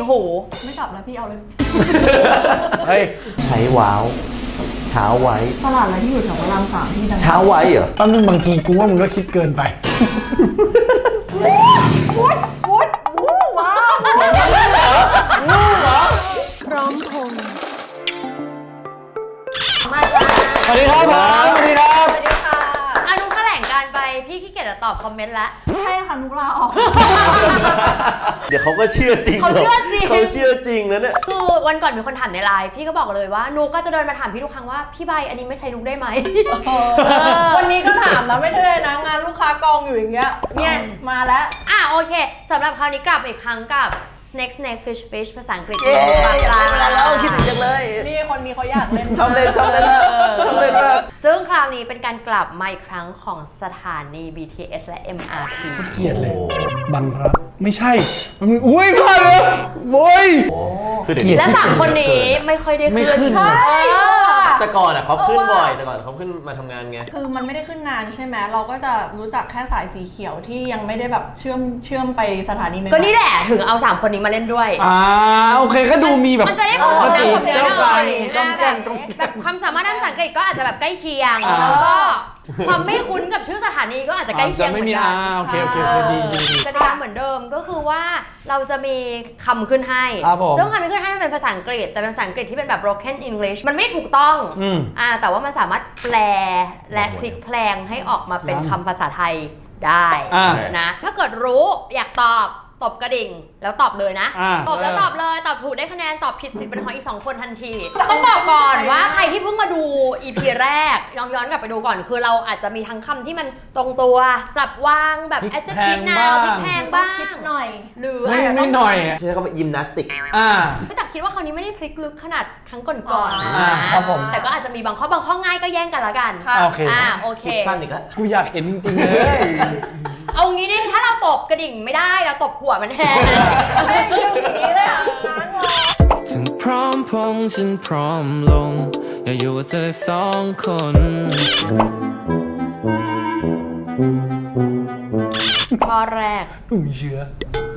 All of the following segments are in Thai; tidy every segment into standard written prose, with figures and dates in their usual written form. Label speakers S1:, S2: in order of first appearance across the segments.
S1: หู
S2: ไม่จับแล้วพี่เอาเลย
S3: เฮ้ยใช้ว้าวเช้าไว้
S2: ตลาดอะไรที่อยู่แถวพระราม3ที่ดัง
S3: เช้าไว้เหรอ
S4: แป๊บนึงบางทีกูว่ามึงก็คิดเกินไป
S2: พร้อมพง
S1: มาจ้า
S4: สวัสดีครับสวัสดีครับ
S1: สวัสดีค่ะอนุแถลงการไปพี่ขี้เกียจจะตอบคอมเมนต์แล้ว
S2: ใช่ค่ะนุกลาออก
S3: เดี๋ยวเขาก็เชื่อจริง
S1: เขาเชื่อจริง
S3: เขาเชื่อจริงนะเนี่ย
S1: คือวันก่อนมีคนถามในไลน์พี่ก็บอกเลยว่านุกก็จะเดินมาถามพี่ทุกครั้งว่าพี่ใบอันนี้ไม่ใช่นุกได้ไหม
S2: วันนี้ก็ถามนะไม่ใช่เลยนะงานลูกค้ากองอยู่อย่างเงี้ยเนี่ยมาแล้ว
S1: โอเคสำหรับคราวนี้กลับมาอีกครั้งกับ snake snake fish fish ภาษาอังกฤษ
S3: เย้อยากเล่นเวลาแล้วคิดถึงจังเลย
S2: นี่คนนี้เขาอยากเล่น
S3: ชอบเล่นมากชอบเล่นมาก
S1: ซึ่งคราวนี้เป็นการกลับมาอีกครั้งของสถานี BTS และ MRT
S4: เกลียดเลยบังครับไม่ใช่มันอุ้ยพลาดเลยโว้ย
S1: และ3คนนี้ไม่ค่อยได้ขึ้น
S3: แต่ก่อนเขาขึ้นบ่อยแต่ก่อนเขาขึ้นมาทำงานไง
S2: คือมันไม่ได้ขึ้นนานใช่ไหมเราก็จะรู้จักแค่สายสีเขียวที่ยังไม่ได้แบบเชื่อมไปสถานีใหม่
S1: ก็นี่แหละถึงเอา3คนนี้มาเล่นด้วย
S4: โอเคก็ดูมีแบบ
S1: มันจะได้ผสมผสาน
S4: กัน
S1: แบบความสามารถด้านภาษาอังกฤษก็อาจจะแบบใกล้เคียงแล้วก็ความไม่คุ้นกับชื่อสถานีก็อาจจะใกล้เคียงเหมือนกัน
S4: โอเคดี
S1: กติกาเหมือนเดิมก็คือว่าเราจะมีคำขึ้นให้ซึ่งคำที่ขึ้นให้มันเป็นภาษาอังกฤษแต่เป็นภาษาอังกฤษที่เป็นแบบ broken English มันไม่ถูกต้องแต่ว่ามันสามารถแปลและพลิกแพลงให้ออกมาเป็นคำภาษาไทยได้นะถ้าเกิดรู้อยากตบกระดิ่งแล้วตอบเลยนะตอบแล้วตอบเลยตอบถูกได้คะแนนตอบผิดสิทธิ์เป็นของอีก2คนทันทีต้องบอกก่อนว่าใครที่เพิ่งมาดู EP แรกลองย้อนกลับไปดูก่อนคือเราอาจจะมีทั้งคำที่มันตรงตัวปรับวางแบบ adjective now พลิกแพลงบ้าง
S2: คิดหน่อย
S1: หรือ
S4: ไม่หน่อย
S3: ใช่เขาเป็นยิมนาสติก
S1: แต่คิดว่าคราวนี้ไม่ได้พลิกลึกขนาดครั้งก่อนๆ
S4: ครับผม
S1: แต่ก็อาจจะมีบางข้อง่ายก็แย่งกันละกัน
S4: โอเค
S1: โอเค
S3: สั้นอีกแล้ว
S4: กูอยากเห็นจริงๆเลย
S1: เอางี้ดิถ้าเราตบกระดิ่งไม่ได้เราตบหัวมันแทน
S2: ไม่ได้ชื่ออย่างนี้เลย
S5: ถึงพร้อมพงฉันพร้อมลงอยากอยู่กับเธอ2 คน
S1: ข้อแรก
S4: มีเชื้อ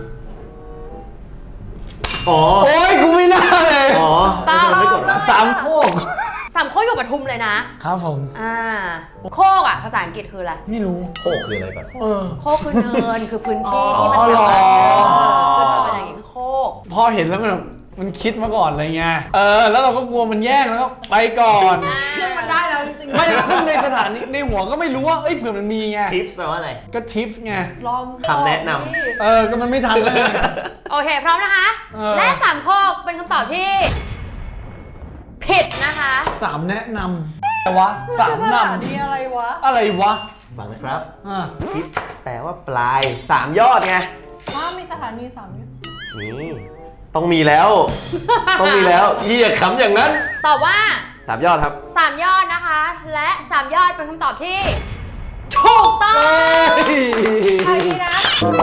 S3: โอ้
S4: ยกูไม่น่าเลย
S1: ตาม
S3: ไม่กดนะ
S4: 3 โคก
S1: อยู่ปทุมเลยนะครับ
S4: ผม
S1: โคกภาษาอังกฤษคืออะไร
S4: ไม่รู้
S3: โคกคืออะไรก่อน
S1: โคกคือเนินคือพื้นที่ที่มัน
S4: แบบ
S1: ขึ้นมาเป็นอย่างนี้โคก
S4: พอเห็นแล้วมันคิดมาก่อนเลยไงแล้วเราก็กลัวมันแย่งแล้วก็ไปก่อน
S2: ซึ่งมันได้แล้วจริงๆ
S4: ไม่ซึ่งในสถานีในหัวก็ไม่รู้ว่าเผื่อมันมีไง
S3: ทิปส์แปลว่าอะไร
S4: ก็ทิปส์ไง
S2: ลอง
S3: คำแนะน
S4: ำก็มันไม่ทันแล้ว
S1: โอเคพร้อมนะคะและ3 โคกเป็นคำตอบที่ผิดนะคะ
S4: 3 แนะนำแต่วะ3 นำ
S2: นี่อะไรวะ
S3: ฟังนะครับทิปส์แปลว่าปลาย3 ยอดไง
S2: มีสถานี3 ยอด
S3: นี่ต้องมีแล้วพี่อย่าขำอย่างนั้น
S1: ตอบว่า
S3: 3 ยอดครับ
S1: 3 ยอดนะคะและ3 ยอดเป็นคำตอบที่ถูกต้อง
S2: ใช่นะ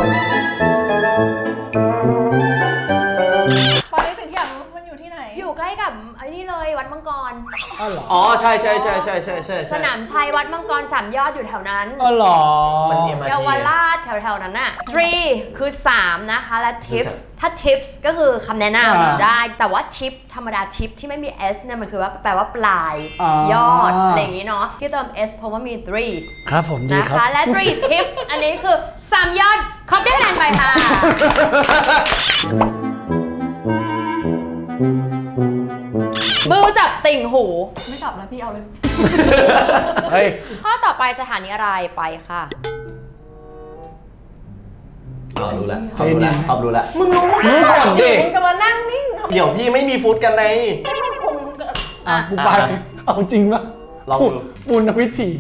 S2: ตอนนี้สิ่งที่อยากรู้มันอยู่ที่ไหน
S1: อยู่ใกล้กับไอ้นี่เลยวัดมังกร
S3: ใช่
S1: สนามชัยวัดมังกร3 ยอดอยู่แถวนั้น
S4: เหรอ
S1: เยาวราชแถวๆนั้นน่ะ3คือ3นะคะและ tips ถ้า tips ก็คือคำแนะนำได้แต่ว่า tip ธรรมดา tip ที่ไม่มี s เนี่ยมันคือว่าแปลว่าปลายยอดอะไรอย่างนี้เนาะที่เติม s เพราะว่ามี3
S4: ครับผมดีครับ
S1: นะคะและ3 tips อันนี้คือ3 ยอดครบได้คะแนนไปค่ะมือจับติ่งหู
S2: ไม่จับแล้วพี่เอาเลย
S4: เฮ้ย
S1: ข้อต่อไปสถานีอะไรไปค่ะ
S3: รู้แล้วตอบรู้แล้ว
S2: มึงรู้
S4: ก่อนดิ
S2: มึงจะมานั่งนิ่ง
S3: เดี๋ยวพี่ไม่มีฟุตกันใน
S4: กูไปเอาจริงปะ
S3: ลองดู
S4: ปุณณวิถี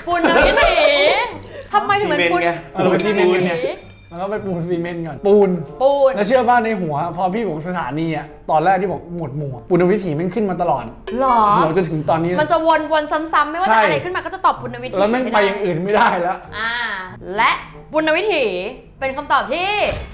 S1: ทำไมถึงเป็นปุณณวิถี
S4: แล้วไปปูนซีเมนต์ก่อนปูนแล้วเชื่อป่ะในหัวพอพี่บอกสถานีตอนแรกที่บอกหมวดหมู่ปุณณวิถีมันขึ้นมาตลอด
S1: หรอ
S4: หัวจนถึงตอนนี้
S1: มันจะวนซ้ำๆไม่ว่าจะอะไรขึ้นมาก็จะตอบปุณณวิถี
S4: แล้วไม่ไปอย่างอื่นไม่ได้แล้ว
S1: และปุณณวิถีเป็นคำตอบที่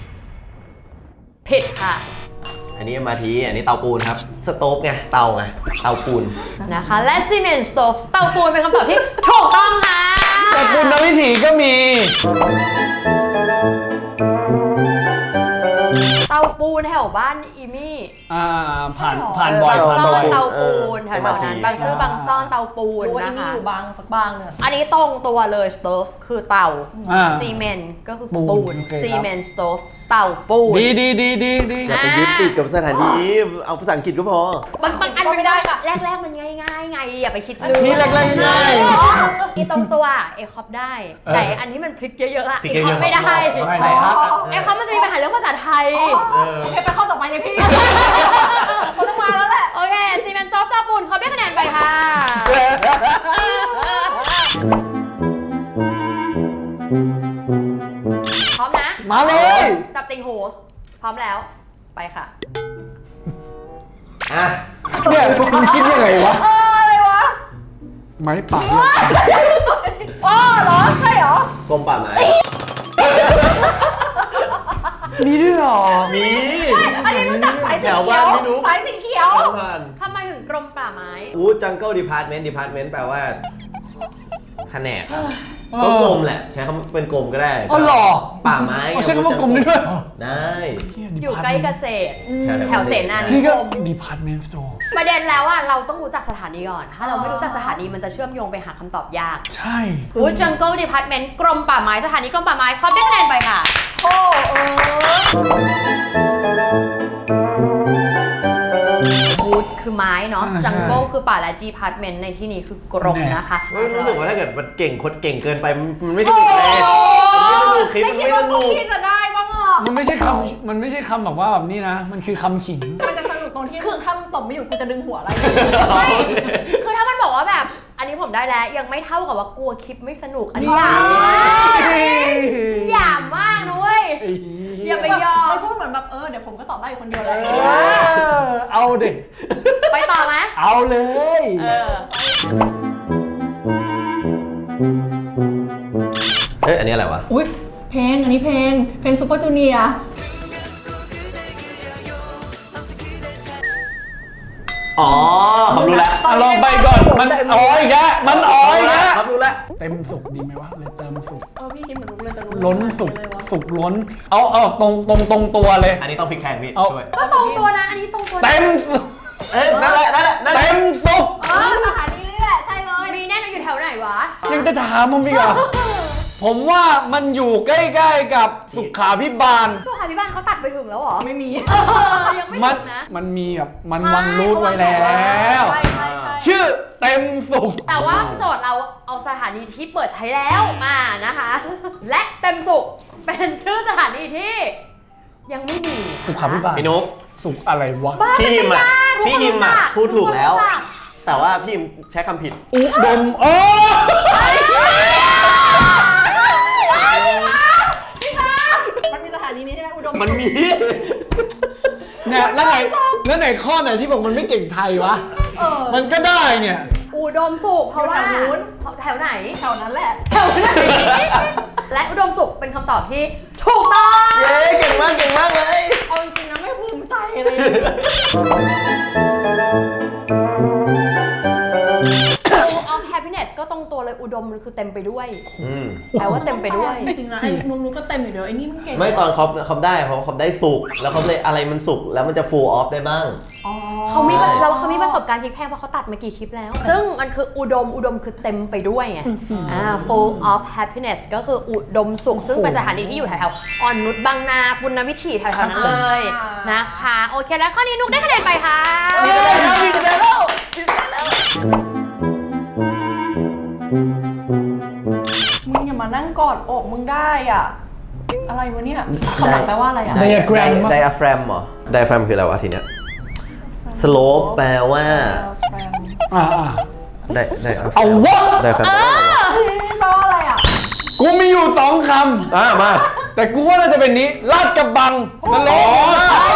S1: ผิดค่ะ
S3: อันนี้มาทีอันนี้เตาปูนครับสโต๊ฟไงเตาปูน
S1: นะคะและซีเมนต์สโตฟเตาปูนเป็นคำตอบที่ถูกต้องค่ะ
S4: แต่ปุณณวิถีก็มี
S1: เตาปูปูนแถวบ้านอีมี่
S4: ผ่านบ่อย
S1: บาง
S4: ผ่าน
S1: ซ่อ
S4: บ่อน ย
S1: เตาปูนแถวๆนั้นบางซื่อบางซ่อนเตาปูน
S2: รู้ว่าไอ้
S1: นะ
S2: นี่
S1: คะ
S2: อยู่บางสักบางเนี่ย
S1: อันนี้ตรงตัวเลยสโตฟคือเตา
S4: อ่า
S1: ซีเมนต์ก็คือ
S4: ปู
S1: ปู
S4: น
S1: น
S4: โอเคครับ
S1: ซีเมนต์สโตฟเตาปูน
S4: ดี
S3: อย่าไปยึดติดกับสถานีเอาภาษาอังกฤษก็พอ
S1: บางอันมันไม่ได้แรกๆมันง่ายๆไงอย่าไปคิดลืม
S4: นี่แรกๆง่าย
S1: อีตรงตัวเอคอปได้ แต่อันนี้มันพลิกเยอะๆอะ
S3: พลิก
S1: เอ
S3: เย
S1: คอ
S3: อะ
S1: ป
S3: ๆ
S1: ไม่ได้
S4: ไม่ได้ครับ
S1: เอคอปมันจะมีปัญหาเรื่องภาษาไทย
S2: โอเคไปข้อต่อไปเลยพี่เขาต้องมาแล้วแหละ
S1: โอเคซีเมนต์ซอฟต์เตาปูนเขาได้คะแนนไปค่ะ พร้อมนะ
S4: มาเลย
S1: จับติงหู พร้อมแล้ว ไปค่ะ
S3: อ่ะ
S4: เนี่ยมึงคิดยังไงวะ
S2: อะไรวะ
S4: ไม้ป่าเรียกตาย
S2: อ๋อเหรอใช่เหรอก
S3: รมป่าไม้
S4: มีด้วยเหรอ
S3: มี
S2: อันนี้รู้จักสายสี
S3: แถว
S2: เขี
S3: บ้า
S2: ยว
S3: นพี่นุ๊ก
S2: สายสีเขียว
S3: ผ่าน
S1: ทำไมถึงกรมป่าไม้
S3: จังเกิลดีพาร์ตเมนต์แปลว่าแผนกครับก็กรมแหละใช้คำเป็นกรมก็ได้
S4: อ๋อเหรอ
S3: ป่าไม้
S4: อ๋อใช้คำว่ากรมได้ด้วยเหรอ
S3: ได้
S1: อยู่ใกล้เกษตร แถวเสนา
S4: นี่
S1: นิ
S4: ก็
S1: คม
S4: department store
S1: ประเด็นแล้วอ่ะเราต้องรู้จักสถานีก่อน ถ้าเราไม่รู้จักสถานีมันจะเชื่อมโยงไปหาคำตอบยาก
S4: ใช่
S1: Wood Jungle Department กรมป่าไม้สถานีกรมป่าไม้เขาได้คะแนนไปค่ะ
S2: โอ้
S1: Wood คือไม้เนาะ
S4: อ่าใช่
S1: Jungle คือป่าและ Department ในที่นี้คือกรมนะคะ
S3: ไม่รู้สึกว่าถ้าเกิดมันเก่งคนเก่งเกินไปมันไม่สนุกเลยคลิปมันไม่สนุก
S2: พี่จะได้บ้างอ่ะ
S4: มันไม่ใช่คำแบบว่าแบบนี้นะ มันคือคำขิง
S2: มันจะสนุกตรงที่คือถ้ามันตบไม่อยู่กูจะดึงหัวอะไร
S1: ไม่คือถ้ามันบอกว่าแบบ อันนี้ผมได้แล้วยังไม่เท่ากับว่ากลัวคลิปไม่สนุก อันนี้หยามมากหยามมากนะเว้ย อย่าไปยอม
S2: มันพูดเหมือนแบบเดี๋ยวผมก็ตอบได้อยู่คนเดียวเลย
S4: เอาเด็ก
S1: ไปต่อไหม
S4: เอาเลย
S1: เออ
S3: เฮ้ยอันนี้อะไรวะ
S2: อุ้ยเพลงอันนี้เพลงซูเปอร์จูเนียร์
S3: อ๋อผมรู้แล้ว
S4: ลองไปก่อน มันอ๋ออีกแล้วมันอ๋ออีกแล้ว
S3: ครับรู้แล้ว
S4: เต็มสุกดีไหมวะเลยเติมสุก
S2: พี่คิดเหมือนรู้เลยแต่รู้
S4: ล้นสุกสุกล้น เอาตรงตัวเลย
S3: อันนี้ต้องพลิกแพงพี่
S4: เอา
S3: ช่วย
S1: ก็ตรงตัวนะ อันนี้ตรงตัวนะ
S4: เต็มสุก
S3: เอ้ยนั่นแหละ
S4: เต็มสุก
S2: สถานีนี่แหละใช่เลย
S1: มีแน่นอนอยู่แถวไหนวะ
S4: ยังจะถามผมอีกเหรอ ผมว่ามันอยู่ใกล้ๆกับสุขาพิบาล
S1: สุขาภิบาลเขาตัดไปถึงแล้วเหรอ
S2: ไม่มี
S1: ยังไม่
S4: มัน
S1: ถึงนะ
S4: มันมีแบบมันวางรูทไว้แล้ว
S1: ใช่ใช่ใช่
S4: ชื่อเต็มสุก
S1: แต่ว่าโจทย์เราเอาสถานีที่เปิดใช้แล้วมานะคะ และเต็มสุขเป็นชื่อสถานีที่ยังไม่มี
S4: สุขาพิบาล
S3: พี่นุ๊ก
S4: สุกอะไรวะ
S1: บ้า
S3: พี่ฮิมอ่ะพี่ฮิมอ่ะพูดถูกแล้ว
S1: ทุคนรู้จัก
S3: แต่ว่าพี่ฮิมใช้คำผิด
S4: อุดมโอ้
S2: มันมีสถานีนี้ใช่ไหมอุดม
S3: มันมี
S4: เนี่ยแล้วไหนข้อไหนที่บอกมันไม่เก่งไทยวะ มันก็ได้เนี่ย
S1: อุดมสุขเพราะว่า
S2: แถวนู้น
S1: แถวไหน
S2: แถวนั้นแหละ
S1: แถวไหน และอุดมสุขเป็นคำตอบที่ถูกต้อง
S3: เย้เก่งมากเลย
S2: เอาจริงๆนะไม่ภูมิใจเลย
S1: Full of happiness ก็ตรงตัวเลยอุดมมันคือเต็มไปด้วย แปลว่าเต็มไปด้วย
S2: จริงๆนะไอ้นุ๊กก็เต็มอยู่เดียวไอ้นี่มันเก่ง
S3: ไม่ตอนเขาได้เพราะเขาได้สุกแล้วเขาเลยอะไรมันสุกแล้วมันจะ full off ได้บ้าง
S1: เขามี
S3: ใช่
S1: เขามีประสบการณ์พลิกแพลงเพราะเขาตัดมากี่คลิปแล้ว ซึ่งมันคืออุดมคือเต็มไปด้วยไง full of happiness ก็คืออุดมสุข ซึ่งเป็นสถานีที่อยู่แถวๆอ่อนนุชบางนาปุณณวิถีแถวๆนั้นเลยนะคะ โอเคแล้วข้อนี้นุกได้คะแนนไปค่ะ
S2: มึงอย่ามานั่งกอดอกมึงได้อ่ะ อะไรวะเนี่ยคำหลังแปลว่าอะไรอ่ะ
S4: diagram
S3: ไดอะแฟรมเหรอไดอะแฟรมคืออะไรวะทีเนี้ย slope แปลว่า
S4: อ่า
S3: ไดอะแฟรม
S4: เอาวะ
S3: ไดอะแฟรมแปลว่าอะไรวะ
S2: แปลว่าอะไรอ่ะ
S4: กูมีอยู่สองค
S3: มา
S4: ำ แต่กูว่าน่าจะเป็นนี้ ลาดกระบังสโลป
S3: ใช่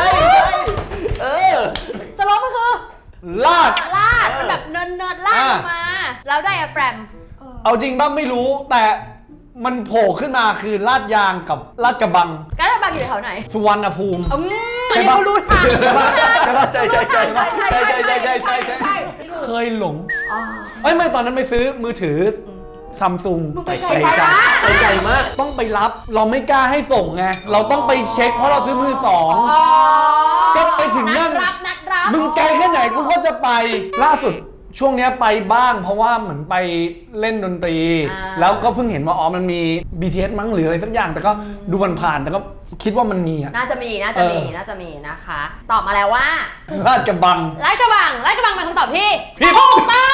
S1: สโลปมันคือ
S4: ลาด
S1: ลาดมันแบบเนินลาดลงมา แล้วไดอะแฟรม
S4: เอาจริงบ้างไม่รู้ แต่มันโผล่ขึ้นมาคือลาดยางกับลาดกระบัง
S1: กระบังอยู่แถวไหน
S4: สุวรรณภูมิ
S1: อันนี้เขารู้ทาง
S4: ใช่ปะใช่
S2: ใช่
S4: เคยหลงเอ้ยไม่ตอนนั้นไปซื้อมือถือซัมซุง
S1: ไป
S3: ไปไกลมาก
S4: ต้องไปรับเราไม่กล้าให้ส่งไงเราต้องไปเช็คเพราะเราซื้อมือสอง ก็ไปถึงนั่น
S1: นัดรับ
S4: มึงไกลแค่ไหนกูก็จะไปล่าสุดช่วงเนี้ยไปบ้างเพราะว่าเหมือนไปเล่นดนตรี แล้วก็เพิ่งเห็นว่าอ๋อมันมี BTS มั้งหรืออะไรสักอย่างแต่ก็ดูผ่านๆแต่ก็คิดว่ามันมีอะ
S1: น่าจะมีนะคะ ตอบมาแล้วว่า
S4: ลาดกระบัง
S1: ลาดกระบังเป็นคำตอบที่
S4: ผิด
S1: ถูกต้อง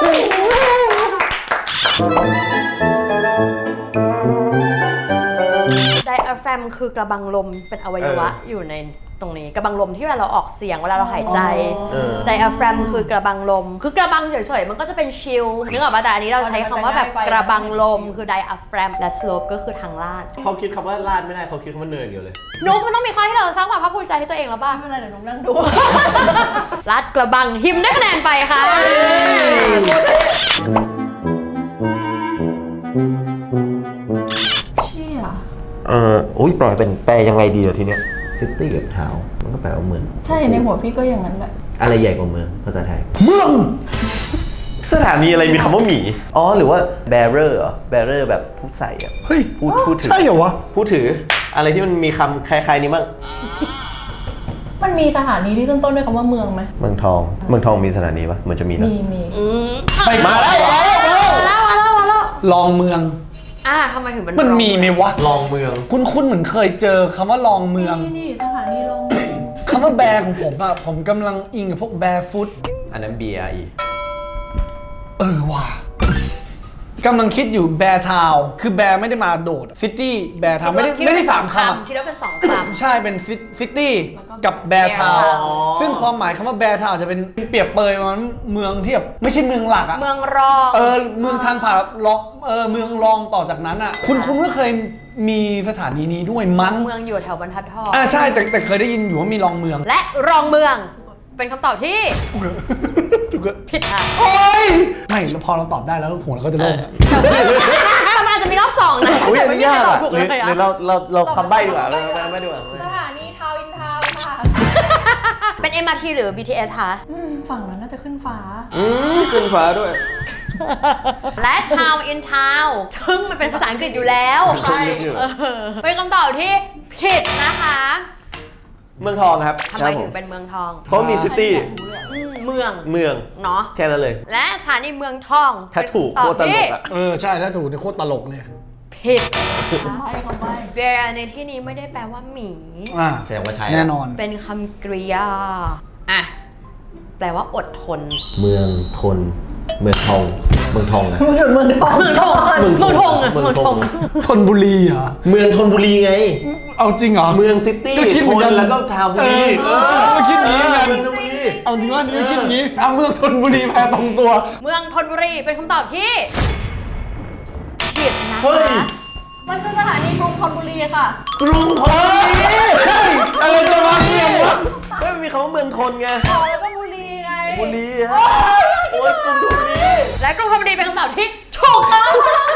S1: ไดอะแฟรมคือกระบังลมเป็นอวัยวะอยู่ในตรงนี้กระบังลมที่เวลาเราออกเสียงเวลาเราหายใจไดอะแฟรมคือกระบังลมคือกระบังเฉยๆมันก็จะเป็นชิลนึกออกป่ะแต่อันนี้เราใช้คำว่าแบบกระบังลมคือไดอะแฟรมและสโลปก็คือทางลาด
S3: เขาคิดคำว่าลาดไม่ได้เขาคิดคำว่าเนินอยู่เลย
S1: นุ๊กมันต้องมีข้อให้เราสร้างความภาคภูมิใจให้ตัวเองแล้วป่ะ
S2: ไม่เป็นไรเดี๋ยวนุ๊กนั่งดู
S1: ลาดกระบังหิมได้คะแนนไปค่ะ
S2: เชี่ย
S3: อุ้ยปล่อยเป็นแปลยังไงดีเดี๋ยวทีเนี้ยซิตี้กับทาวมันก็แปลว่าเมือง
S2: ใช่ในหัวพี่ก็อย่างนั้นแหละ
S3: อะไรใหญ่กว่าเมืองภาษาไทย
S4: เมือง
S3: สถานีอะไรมีคำว่าหมีอ๋อหรือว่า bearer เหรอ bearer แบบผู้ใส่อะ
S4: เฮ้ย
S3: พูดถือ
S4: ใช่เหรอวะ
S3: ผู้ถืออะไรที่มันมีคำคล้ายๆนี้บ้าง
S2: มันมีสถานีที่ขึ้นต้นด้วยคำว่าเมืองไหม
S3: เมืองทองมีสถานีปะเหมือนจะมีนะ
S2: มี
S4: ไปมาแล้ว
S1: มาแล้ว
S4: ลองเมือง
S1: ทำไมถึงเป็น
S4: มันมีไหมวะ
S3: ลองเมือง
S4: คุ้นๆเหมือนเคยเจอคำว่าลองเมือง
S2: นี่สถานีลง
S4: คำว่าแบร์ของผมอะผมกำลังอิงกับพวกแบร์ฟุต
S3: อันนั้น BRE
S4: ว่ะกำลังคิดอยู่แบร์ทาวคือแบร์ไม่ได้มาโดดซิตี้แบร์ทาวไม่ได้สามคำอะ
S1: คิดว่าเป็นสองคำ
S4: ใช่เป็นซิตี้กับแบร์ทาว
S1: Bear Town
S4: ซึ่งความหมายคำว่าแบร์ทาวจะเป็นเปรียบเปรยมันเมืองที่แบบไม่ใช่เมืองหลักอะ
S1: เมืองรอง
S4: เมืองทางผ่านรองเมืองรองต่อจากนั้นอะคุณก็เคยมีสถานีนี้ด้วยมั้ง
S1: เมืองอยู่แถวบรรทัดทอง
S4: ใช่แต่เคยได้ยินอยู่ว่ามีรองเมือง
S1: และรองเมืองเป็นคำตอบที่
S4: ถูกอะ
S1: ผิดค่ะ
S4: โอ้ยไม่แล้วพอเราตอบได้แล้วหัวเราก็จะโล่งอะ
S1: แต่มันอาจจะมีรอบสองนะ
S3: อุ้ยอัน
S1: ไม่
S3: นี้
S1: มีใคร
S3: ยาก
S1: ตอบ
S3: อะ
S1: ถูก
S3: ห
S1: เล
S3: รือย
S1: อะ
S3: เราคำใบ้ดีกว่าเราคำใบ้ดีกว่า
S2: สถานีทาวน์อินทาวน์ค่ะ
S1: เป็น MRT หรือ BTS คะ
S2: ฝั่งนั้นน่าจะขึ้นฟ้า
S3: ขึ้นฟ้าด้วย
S1: และ Town in Town ซึ่งมันเป็นภาษาอังกฤษอยู่แล้ว
S3: ใช่อยู่
S1: เป็นคำตอบที่ผิดนะคะ
S3: เมืองทองครับ
S1: ทำไมถึงเป็นเมืองทอง
S3: เพราะมีซิตี้
S1: เมือง
S3: เมือง
S1: เนาะ
S3: แค่นั้นเลย
S1: และสถานีเมืองทอง
S3: ถ้าถูกโคตรตลกอะ
S4: ใช่ถ้าถูกเนี่ยโคตรตลกเลย
S1: ผิด
S2: ใช่คำใบ้
S1: bear ในที่นี้ไม่ได้แปลว่าหมี
S3: แสดงว่าใช่
S4: แน่นอน
S1: เป็นคำกริยาแปลว่าอดทน
S3: เมืองทน เมืองทองนะ
S2: เมืองทอง
S1: เมืองทองเมืองทองอะ
S3: เมื
S1: เมื
S3: อ
S1: อง ง
S3: ท
S1: ท
S3: อ
S1: อง ง
S4: ธนบุรีเหรอ
S3: เมืองธนบุรีไง
S4: เอาจริงเหรอ
S3: เมืองซิตี้
S4: ก็คิดเหมือนกัน
S3: แล้วก็ทาวบุรี
S4: ก็คิดอย่างนี้เหมือนกัน
S3: เมืองธนบุรี
S4: เอาจริงว่านี่ก็คิดอย่างนี้เมืองธนบุรีแพ้ตรงตัว
S1: เมืองธนบุรีเป็นคำตอบที่ผิดนะ
S3: เฮ้ย
S1: คะ
S2: มันคือสถานีกรุงธนบุรีค่ะ
S3: กรุงธนบุรี
S4: ใช่อะไรจะมาเมืองวะ
S3: ไม่มีคำว่าเมืองทนไง
S2: แล้วก็บุรีไง
S3: บุรีฮะโอ้ยกรุงธนบุรี
S1: และกรุงธนบุรีเป็นคำตอบที่ถูกต้อง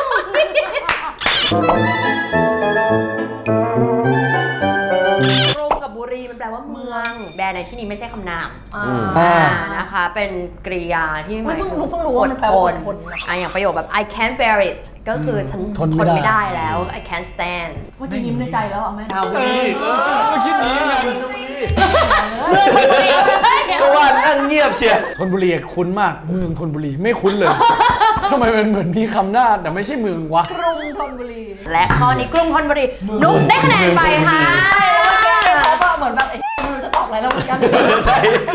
S1: กรุงกับบุรีมันแปลว่าเมือง แบรในที่นี้ไม่ใช่คำนาม นะคะ เป็นกริยาที่หมายถึง
S2: เพิ่งรู้ว่ามันแปลว่าอดทน
S1: อย่างประโยคแบบ I can't bear it ก็คือฉันทนไม่ได้แล้ว I can't stand
S2: เมื่อกี้ยิ้มในใจแล้วอ่ะแม่
S3: ทาวบุรี
S4: ก็คิดอย่างนี้เหมือนกัน
S3: เมืองธนบุรี
S1: เมืองธนบุรี
S3: ก็ว่านั่งเงียบเชียร์
S4: ธนบุรีคุ้นมากเมืองธนบุรีไม่คุ้นเลยทำไมมันเหมือนมีคำหน้าแต่ไม่ใช่เมืองวะ
S2: กรุงธนบุรี
S1: และข้อนี้กรุงธนบุรีนุ๊กได้คะแนนไปค่ะ
S2: เขาแบบเหมือนแบบไม่รู้จะตอบอะไรแล้วเหมือนกัน
S3: ใช่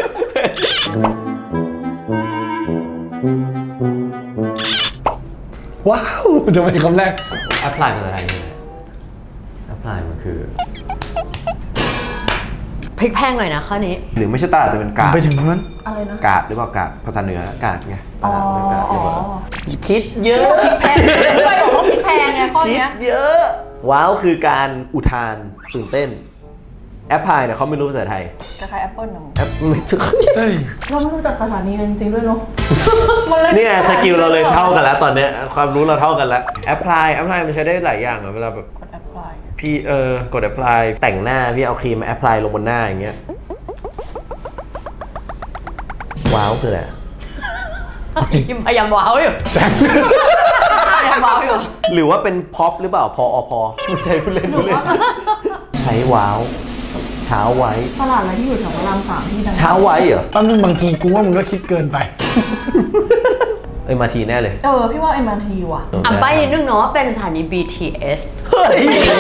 S4: ว้าวจะเป็นคำแรก
S3: แอพพลายภาษาไทยคืออะไรแอพพลายมันคือ
S1: พลิกแพงหน่อยนะข้อนี้
S3: หรือไม่ใช่ตลาดแต่เป็นกาด
S4: ไปถึงตรงนั้น
S2: อะไรนะ
S3: กาดหรือเปล่ากาดภาษาเหนือกาดไงต
S2: อ๋อ
S3: ลาดเป็นกาดหรือเปล่า
S2: อ๋อ
S3: คิดเยอะ
S2: แพงด้วยบอกว่าพริกแพงไงข้อ
S3: คิด
S2: เนี้ย
S3: เยอะว้าวคือการอุทานตื่นเต้นแอปพลายเนี่ยเขาไม่รู้ภาษาไทย
S2: คล้ายๆแอปเปิ้ลนะ
S3: แอปไม่ถึง
S4: เฮ้ย
S2: เราไม่รู้จักสถานีกันจริงๆด้วยเนาะ
S3: เนี่ยสกิลเราเลยเท่ากันแล้วตอนเนี้ยความรู้เราเท่ากันแล้วแอปพลายมันใช้ได้หลายอย่างอะเวลาแบบ
S2: กดแอปพลาย
S3: พี่กดแอปพลายแต่งหน้าพี่เอาครีมมาแอปพลายลงบนหน้าอย่างเงี้ยว้าวคืออะไร
S1: ยิมพยายามว้าวอยู่
S4: แซง
S2: ว้าวอยู่
S3: หรือว่าเป็นพ็อปหรือเปล่าพอไม่ใช่ผู้เล่นใช้ว้าวเช้าไว้
S2: ตลาดอะไรที่อยู่แถวพระราม 3ที่ดัง
S3: เช้าไว้เหรอ
S4: ตอนนึงบางทีกูว่ามึงก็คิดเกินไป
S3: มาทีแน่เลย
S2: พี่ว่า MRT ว่ะ
S1: ใบ้นิดนึงเนาะเป็นสถานี BTS
S3: เฮ้ย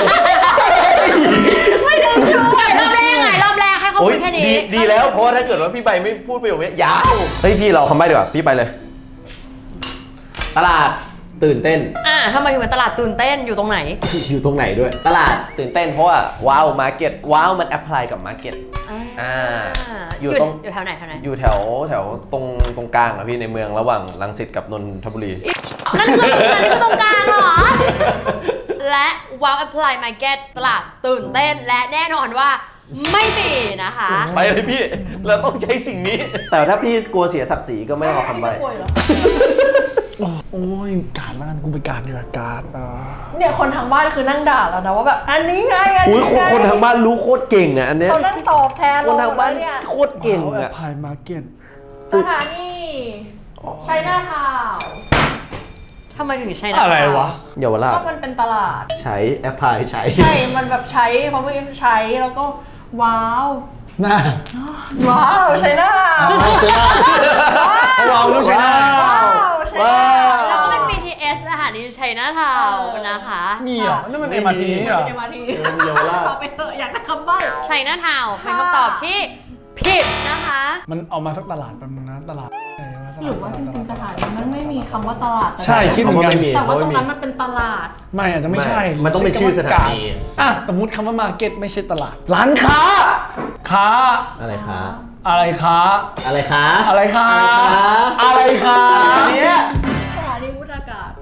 S1: ไม่ได้ช่วยรอบแรกให้เขาพูดแค่นี้
S3: ดีแล้วเพราะว่าถ้าเกิดว่าพี่ใบไม่พูดประโยคนี้ยาวเฮ้ยพี่เราคำใบ้ดีกว่าพี่ไปเลย ตลาดตื่นเต้น
S1: ทำไมถึงเป็นตลาดตื่นเต้นอยู่ตรงไหน
S3: อยู่ตรงไหนด้วย ตลาดตื่นเต้นเพราะว่าว้าวมาร์เก็ตว้าวมันแอพพลายกับมาร์เก็ตอยู่ตรง
S1: อยู่แถวไหน
S3: อยู่แถวตรงกลางอะพี่ในเมืองระหว่างรังสิตกับนนทบุรี
S1: นั่นคือตรงกลางเหรอ และ Wow Apply Market ตลาดตื่นเต้นและแน่นอนว่าไม่มีนะคะ
S3: ไปเลยพี่ เราต้องใช้สิ่งนี้ แต่ถ้าพี่กลัวเสียศักดิ์ศรีก็ไม่ต้องเอาคำใบ้
S2: ป่วยเหรอ
S4: โอ้ยการละกันกูไปการดีกว่าการ
S2: เนี่ยคนทางบ้านคือนั่งด่าแล้วนะว่าแบบอันนี้ไงอัน
S3: อุ้ย
S2: นี้ไง
S3: คนทางบ้านรู้โคตรเก่งอะอันเนี้ย
S2: เขานั่งตอบแทน
S3: คนทางบ้าน
S2: เนี่ย
S3: โคตรเก่ง
S4: แอ
S3: อะ
S4: ปพลายมาร์เก็ต
S2: สถานีชัยนาทาวน์
S1: ทำไมถึงใช้
S4: อะไรวะ
S3: เยาวราช
S2: ก็มันเป็นตลาด
S3: ใช้แอปพลายใช้
S2: ใช่ มันแบบใช้เพราะมันใช้แล้วก็ว้าว
S4: น่า
S2: ว้าวชัยนาทาวน์
S4: ใช่หน้าว้าวต้องใช่หน้า
S2: ว้าวชัยนาทาวน์
S1: แล้วก็เป็น BTS สถานีชัยนาทาวน์นะคะ
S4: มีเหรอนั่นมัน MRT นี่เหรอ
S2: MRT
S3: เยาวราช
S2: ตอบไปเถอะอยากได้คำใบ้
S1: ชัยนาทาวน์เป็นคำตอบที่ผิดนะคะ
S4: มันเอามาสักตลาดแป๊บนึงนะตลาดอะไรวะตลด
S2: หรือว่าจริงๆสถานีมันไม่มีคำว่าตลาด
S4: ใช่คิดเหมือนกัน
S3: ไม่มี
S2: แต่ว่าตรงนั้นมันเป็นตลาด
S4: ไม่อาจจะไม่ใช่
S3: มันต้องเป็นชื่อสถานี
S4: อ่ะสมมุติคำว่ามาร์เก็ตไม่ใช่ตลาด ร้านค้า ค้า
S3: อะไรคะ
S4: อะไรค้า
S3: อะไรคะ
S4: อะไรค้า อะไรค้า
S3: อันเนี้ย
S2: สถานีวุฒากาศ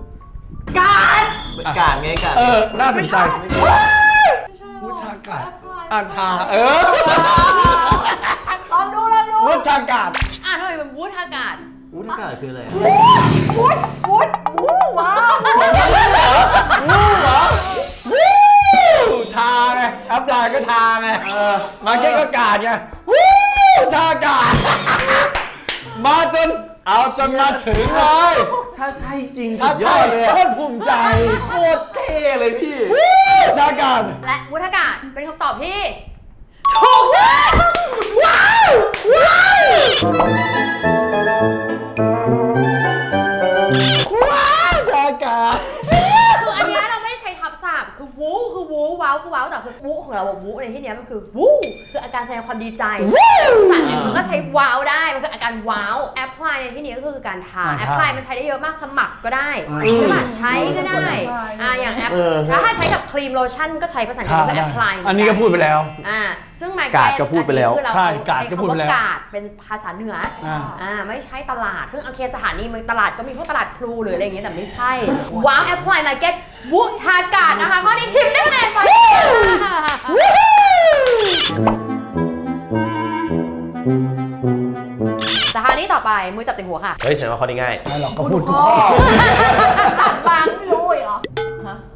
S3: กาดไงกาด
S4: น่าสนใจวุฒากาศอ่านทา
S2: ลองดู
S4: วุฒากาศ
S1: ทำไมเป็นวูดอากาศ
S3: วุฒิกาดคืออะไร
S2: วุ้ว้าว
S4: ทาไงแอปไลน์ก็ทาไงมาร์เก็ตก็กาดไงทากาศมาจนเอาจนมาถึงเลย
S3: ถ้าใช่จริงสุ
S4: ถ้า
S3: ดย
S4: ใช่
S3: อดเลย
S4: โค
S3: อะ
S4: ตรภูมิใจ
S3: โคตรเท่เลยพี่
S4: ทากาศ
S1: และวูดอากาศเป็นคำตอบที่ถูกต้องว้าว
S4: ทากาศ
S1: คืออันเนี้ยเราไม่ได้ใช้ทับศัพท์คือวูคือวูว้าวคือว้าวแต่คือวูของเราวูในที่เนี้ยมันคือวูคืออาการแสดงความดีใจภาษาอังกฤษมันก็ใช้ว้าวได้มันคืออาการว้าวแอปพลายในที่นี้ก็คือการทาแอปพลายมันใช้ได้เยอะมากสมัครก็ได้ใช่ไหมใช้ก็ได้อย่างแอปถ้าใช้กับครีมโลชั่นก็ใช้ภาษาอังกฤษก็แอปพลาย
S4: อันนี้ก็พูดไปแล้ว
S1: ซึ่ง
S3: กาดก็พูดไปแล้ว
S4: ใช่กาดก็พูดไปแล้ว
S1: กาดเป็นภาษาเหนือไม่ใช่ตลาดซึ่งโอเคสถานีมันตลาดก็มีพวกตลาดพลูหรืออะไรอย่างเงี้ยแต่ไม่ใช่ว้าวแอปพลายมาร์เก็ตวุฒากาศนะคะข้อนี้พิมพ์ได้คะแนนไปสถานีต่อไปมือจับติ่งหัวค่ะ
S3: เฮ้ยฉันว่าข้อนี้ง่าย
S4: ไม่หรอกก็พูดทุกข้อ
S2: ตัดบางไม่รู้เหรอฮะ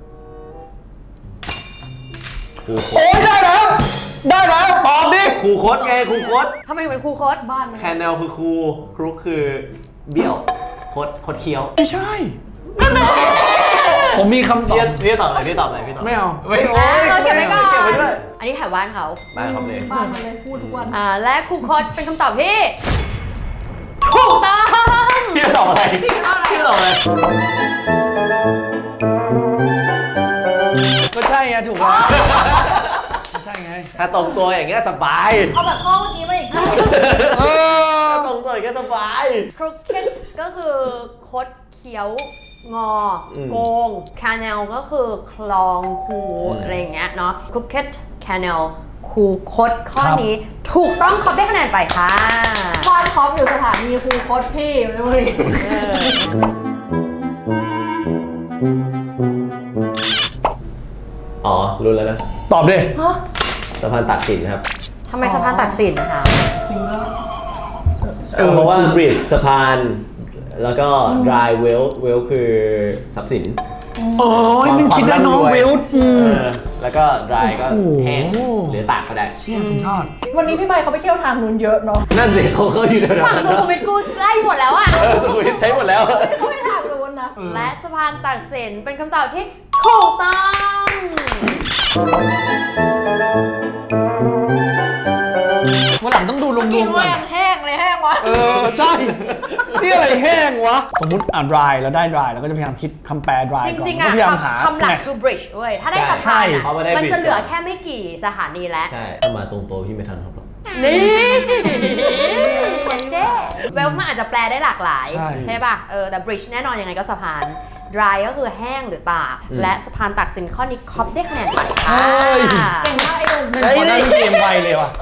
S3: ครูโค
S4: โอ้ยได้แล้วตอบดิ
S3: ครูโคดไงครูโคด
S1: ทำไมถึงเป็นครูโค้ด
S2: บ้านมัน
S3: แคนแนลคือครูครุกคือเบี้ยวโคดเคี้ยว
S4: ไม่ใช่ ผมมีคำตอบ
S3: พี่ตอบอะไรพี่ตอบอะไรพี่ตอบ
S4: ไม่เอา
S3: ไม่โอ้ย
S1: เก็บไว้ก่อน
S3: เก็บไว้ด้วย
S1: อันนี้แถวบ้านเขา
S3: ได้ครับเลย
S2: บ้านมันเลยพูดทุกวัน
S1: และครูโค้ดเป็นคำตอบที่ถูกต้อง
S3: พี่ตอบอะไรพี่ตอบอะไร
S4: ก็ใช่ไงถูกแล้วไม่ใช่ไง
S3: ถ้าตรงตัวอย่างเงี้ยสบาย
S2: เอาแบบข้อเมื่อกี้มาอีกที
S3: ถ้าตรงตัวอย่างเงี้ยสบาย
S1: ครุกเก็ตก็คือคดเคี้ยวงอโกงคาเนลก็คือคลองคูอะไรอย่างเงี้ยเนาะครุกเก็ตคาเนลคูคดข้อนี้ถูกต้องครบได้คะแนนไปค่ะ
S2: บ้านพร้อมอยู่สถานีครูโคตรพี่ไม่รู้ดิ
S3: อ๋อรู้แล้วนะ
S4: ตอบดิ
S3: สะพานตากสินครับ
S1: ทำไมสะพานตักสินนะคะ
S3: เพราะว่า bridge สะพานแล้วก็ dry well คือทรัพย์สิน
S4: โอ้ยมันคิดได้น้องเวล
S3: แล้วก็ dry ก็แห้งหรือตากก็ได้
S4: เชี่ยสุดยอด
S2: วันนี้พี่ใบเขาไปเที่ยวทางนู้นเยอะเนาะ
S3: นั่นสิเขาอยู่แถวๆ
S1: ฝั่ง
S3: นั้น
S1: สุขุมวิทกูไล่หมดแล้วอ่ะ
S3: สุขุมวิทใช้หมดแล้ว
S2: เขาไปทางนู้นนะ
S1: และสะพานตัดสินเป็นคำตอบที่ถูกต้อง
S4: วันหลังต้องดูรว
S2: กิน
S4: มๆ
S2: ว่า
S4: กัน
S2: ยังแห้งเลยแห้งวะ
S4: ใช่นี่อะไรแห้งวะสมมติอ่าน dry แล้วได้ dry แล้วก็จะพยายามคิดคำแปล dry
S1: จ
S4: ก่อน
S1: ริงๆ
S4: ก็
S1: อ่ะ
S4: พยายามหา
S1: คำหลัก
S4: match
S1: คือ bridge เว้ยถ้าได้สะ
S4: ใช่
S1: พาน
S3: เขาไม่ได้
S1: มันจะ
S3: bridge
S1: เหลือแค่ไม่กี่สถานีแล้ว
S3: ใช่ถ้ามาตรงตัวพี่ไม่ทันครับหรอก
S1: นี่เด้เวลมันอาจจะแปลได้หลากหลาย ใช่ป่ะแต่ bridge แน่นอนยังไงก็สะพาน dry ก็คือแห้งหรือตากและสะพานตัดสินข้อนี้คอปได้คะแนนไปค่ะ
S2: เก่งมากไอ้หนุ่ม
S4: ขอได้เกมไวเลยว่ะ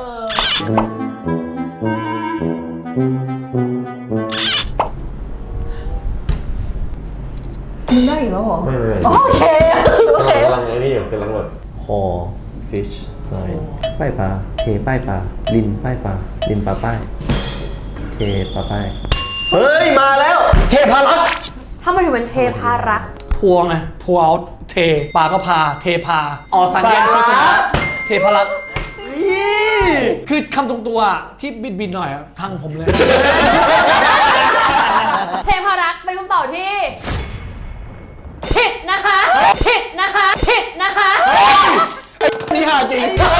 S2: มึงได้อีกแล้วเหรอ
S3: ไม่
S2: โอเคโอเค
S3: กำลังไอ้นี่อยู่กำลังแบบคอ fish sign ป้ายปลาเทป้ายปลาลินป้ายปลาลินปลาป้ายเทปลาป้ายเฮ้ยมาแล้ว
S4: เทพารักษ์
S1: ถ้ามาถึงเป็นเทพารักษ์
S4: พวงไงพัวเอาเทปลาก็พาเทพา
S3: อ๋อสัญญา
S4: เทพารักษ์คือคำตรงตัวที่บิดหน่อยอะทางผมเลย
S1: เทพารักษ์เป็นคำตอบที่ผิดนะคะผิดนะคะผิดนะคะ
S4: นี่หาจริง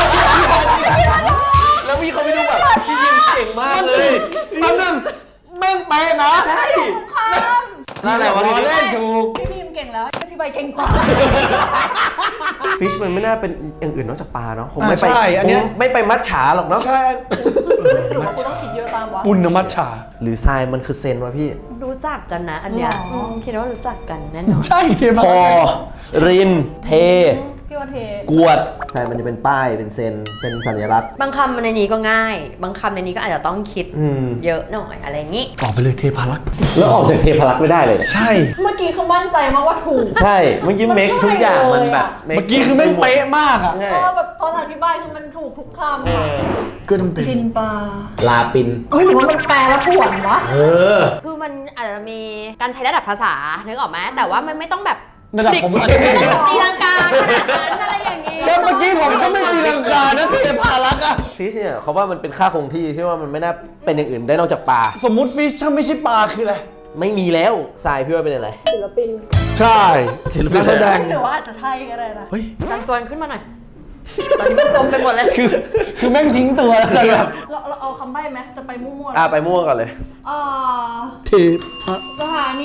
S3: แล้วพี่เขาไม่รู้แบบพี่ยิงเก่งมากเลย
S4: มันนั่นแม่งเป๊ะนะใช่
S3: นั่นแหละวัน
S4: ล้
S3: นี้
S4: อเล่นถูก
S2: พี่พิมเก่งแล้วพี่ใบเก่งกว่า
S3: ฟิชมันไม่น่าเป็นอย่างอื่นนอกจากปลาเนาะผม
S4: อ่า
S3: ไม่ไป
S4: ใช่อันเนี้ย
S3: คงไม่ไปมัดฉาหรอกเนาะ
S4: ใช่
S2: หรือว่ากูต้องคิดเยอะตามวะ
S4: ปุณณมัชชา
S3: หรือทรายมันคือเซนวะพี่
S1: รู้จักกันนะอันเนี้ย
S2: หรอ
S1: คิดว่ารู้จักกันแน่นอน
S4: ใช่เทพา
S3: พอ
S4: รักษ์
S3: ริน เท
S2: พี่ว่าเท
S3: กวดทรายมันจะเป็นป้ายเป็นเซนเป็นสัญลักษณ์
S1: บางคำในนี้ก็ง่าย บางคำในนี้ก็อาจจะต้องคิด
S3: ม
S1: เยอะหน่อยอะไรอย่างงี้
S4: ออกไปเลยเทพารักษ์
S3: แล้วออกจากเทพารักษ์ไม่ได้เลย
S4: ใช่
S2: เมื่อกี้คือมั่นใจมากว่าถูก
S3: ใช่เมื่อกี้เมคทุกอย่างมันแบบ
S4: เมื่อกี้คือแม่งเป๊ะมากอ่ะ
S3: ใช่
S2: แบบตอนอธิบายคือมันถูกทุกคำ
S3: เอ
S2: อะ
S3: อ
S4: ก็ต้องเป็น
S2: กินปลา
S3: ลาปิน
S2: เฮ้ยหรือว่ามันแปลแล้วป่วนวะ
S3: เออ
S1: คือมันอาจจะมีการใช้ระดับภาษานึกออกไหมแต่ว่ามันไม่ต้องแบบ
S4: ระดับผม
S1: ไม่ต้องแบบตีลังกาขนาดนั้นอะไรอย่างงี้
S4: แล้วเมื่อกี้ผมก็ไม่ตีลังกานะเทพารักษ์อะ
S3: ฟิชเนี่ยเขาว่ามันเป็นค่าคงที่ที่ว่ามันไม่น่าเป็นอย่างอื่นได้นอกจากปลา
S4: สมมุติฟิชถ้าไม่ใช่ปลาคืออะไร
S3: ไม่มีแล้วทรายพี่ว่าเป็นอะไร
S2: ศิลปิน
S4: ใช่
S3: ศิลปิน
S4: นักแสดง
S2: หรือว่าอาจจะใช่ก็ได้นะ
S4: เฮ้ย
S1: ดันตัวขึ้นมาหน่อยตอนนี้มันจมไปหมดเลย
S4: คือแม่งทิ้งตัวแล้วกันแบบ
S2: เราเอาคำใบ้ไหมจะไปมั่วๆ
S3: ไปมั่วก่อนเลย
S4: เทพา
S2: สถานี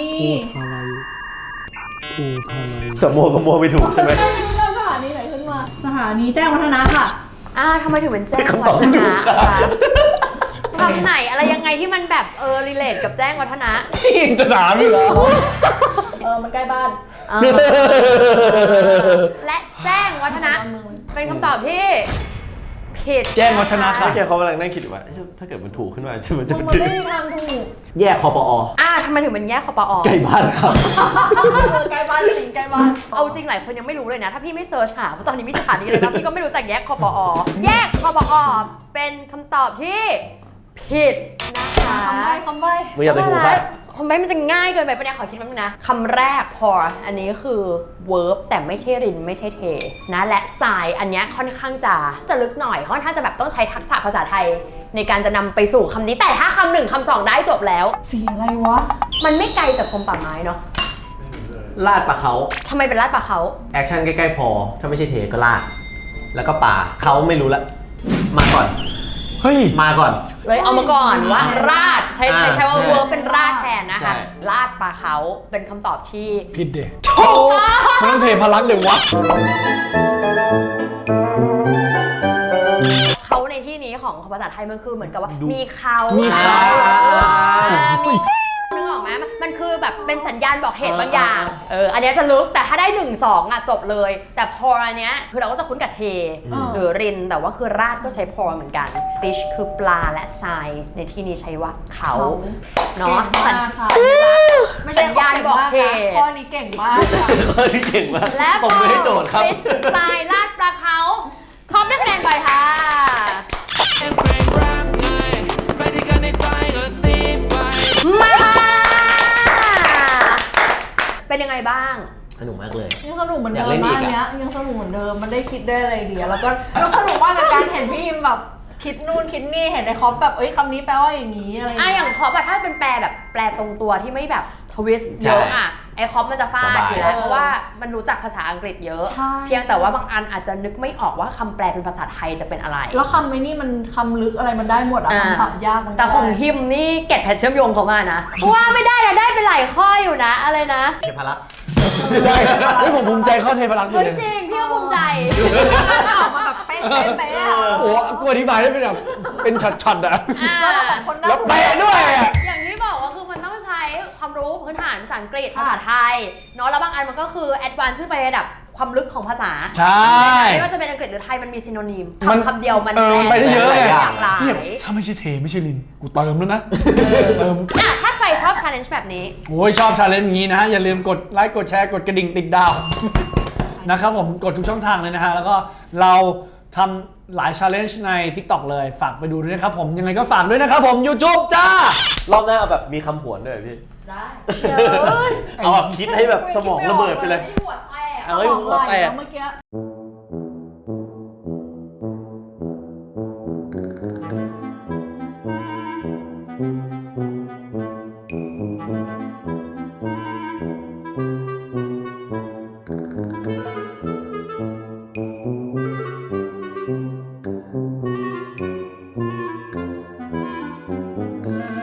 S4: ภูทาไร
S3: แต่มั่วก็มั่วไม่ถูกใช่ไหม
S2: เริ่มสถานีไหนขึ้นมา สถานีแจ้งวัฒนะค่ะ
S1: ทำไมถึงเป็นแจ้ง
S3: คำตอบ
S1: วั
S3: ที่
S1: ฒ
S3: ถู
S1: นะ
S3: กครับ
S1: คะคำไหนอะไรยังไงที่มันแบบรีเลทกับแจ้งวัฒนะ
S4: นี่ยังจะถามอีกเหรอ
S2: มันใกล้บ้าน
S1: และแจ้งวัฒนะ เป็นคำตอบที่ผิด
S4: แจ้งวัฒนะค่ะ
S3: ไม่ใช่เขากำลังนั่งคิดอยู่ว่าถ้าเกิดมันถูกขึ้นมามันจะ
S2: มัน
S3: เป็น
S2: ไม่มีทางถูก
S3: แยกคอปอ
S1: ทำไมถึงเป็นแยกคปอ
S3: ใกล้บ้านครับ
S2: ใกล้บ้านจริงใกล้บ้าน
S1: เอาจริงหลายคนยังไม่รู้เลยนะ ถ้าพี่ไม่เซิร์ชหาเพราะตอนนี้มีสถานีเลยนะพี่ก็ไม่รู้จักแยกคปอ แยกคปอ เป็นคำตอบที่ผิดนะคะ
S2: คำใบ้
S3: ไม่อยากไปถูกครับ
S1: คำใบ้มันจะง่ายเกินไปปะเนี่ยขอคิดแป๊บนึงนะคำแรก pour อันนี้คือ verb แต่ไม่ใช่รินไม่ใช่เทนะและทรายอันเนี้ยค่อนข้างจะลึกหน่อยค่อนข้างจะแบบต้องใช้ทักษะภาษาไทย ในการจะนำไปสู่คำนี้แต่ถ้าคำหนึ่งคำสองได้จบแล้ว
S2: สีอะไรวะ
S1: มันไม่ไกลจากกรมป่าไม้เนาะ
S3: ลาดปลาเขา
S1: ทำไมเป็นลาดปลาเขา
S3: แอคชั่นใกล้ๆพอ ถ้าไม่ใช่เทก็ลาด แล้วก็ปลาเขาไม่รู้ละ มาก่อน
S4: เฮ้ย
S3: มาก่อน
S1: เลยเอามาก่อนว่าราดใช้
S3: อ่า
S1: ใช้ว่า verb เป็นราดแทนนะ
S3: ใช่
S1: คะลาดปลาเขาเป็นคำตอบที่
S4: ผิดเด็
S1: ถูกต้อง
S4: มันต้องเทพารักษ์เดี๋ยววะ
S1: เขาในที่นี้ของภาษาไทยมันคือเหมือนกับว่า
S3: ดู
S1: มีเขา
S4: มีเขา
S1: มีนึกออกไหมมันคือแบบเป็นสัญญาณบอกเหตุบางอย่าง อันเนี้ยจะลึกแต่ถ้าได้ 1-2จบเลย แต่พออันเนี้ยคือเราก็จะคุ้นกับเท หรือริน แต่ว่าคือราดก็ใช้พอเหมือนกัน fish คือปลาและทรายในที่นี้ใช้ว่าเขาเนาะ
S2: เก่งมากค่ะ ไม่ใช่
S1: สัญญาณบอกเหตุ
S2: ข้อนี้เก่งมากค่ะ
S3: ข้อนี้เก่งมาก
S1: และ
S3: ตบมือให้โจทย์ครับ
S1: fish ทรายราดปลาเขาครบได้คะแนนไปค่ะ มา เป็นยังไงบ้าง
S3: สนุกมากเลย
S2: ยังสนุกเหมือน
S3: อ
S2: เดิ
S3: ยากเล่
S2: ม
S3: นอี
S2: มาก ก
S3: อะ
S2: เนี้ยยังสนุกเหมือนเดิมมันได้คิดได้อะไรดีแล้วก็สนุกมากกับการเห็นพี่อิมแบบคิดนู่นคิดนี่เห็นในคอปแบบคำนี้แปลว่าอย่างนี้อะไร
S1: อย่างเพราะแบบถ้าเป็นแปลแบบแปลตรงตัวที่ไม่แบบทวิสต์เยอะอ่ะไอคอมมันจะฟาดอยู่แล้วเพราะว่ามันรู้จักภาษาอังกฤษเยอะ เพียงแต่ว่าบางอันอาจจะนึกไม่ออกว่าคำแปลเป็นภาษาไทยจะเป็นอะไร
S2: แล้วคำไอ้นี่มันคำลึกอะไรมันได้หมดอะคำศัพท์ยากมัน
S1: แต่ของฮิมนี่เก็ตแพทเชื่อมโยงเขามานะว่าไม่ได้นะได้เป็นหลายข้ออยู่นะอะไรนะ
S3: เทพรักษ์
S4: ใช่ผมภูมิใจเข้าเทพรักษ์เลย
S1: จริงพี่ก็ภูมิใจ
S2: ออกมาแบบเป๊ะ
S4: โอ้กูอธิบายได้เป็นแบบเป็นช็อตๆอะแล้วแปลด้วย
S1: อย่างที่บอกว่าคือมันต้องใช้ความรู้พื้นฐานภาษาอังกฤษภาษาไทยเนาะแล้วบางอันมันก็คือแอดวานซ์ขึ้นไประดับความลึกของภาษา
S4: ใช่
S1: ไม่ว่าจะเป็นอังกฤษหรือไทยมันมีซิโนนิมคำเดียวมัน
S4: ไปได้เยอะเลย
S1: หลากหลาย
S4: ถ้าไม่ใช่เทไม่ใช่ลินกูเติมแล้วนะเติม
S1: ถ้าใครชอบ challenge แบบนี้
S4: โอ้ยชอบ challenge อย่างนี้นะอย่าลืมกดไลค์กดแชร์กดกระดิ่งติดดาวนะครับผมกดทุกช่องทางเลยนะฮะแล้วก็เราทำหลาย challenge ใน TikTok เลยฝากไปดูด้วยนะครับผมยังไงก็ฝากด้วยนะครับผม YouTube จ้าร
S3: อบหน้าเอาแบบมีคำผวนด้วยพี่
S1: ได้
S3: เอาแบบคิดให้แบบสมองระเบิดไปเลย
S2: เอาให้หัวแตกเมื่อกี้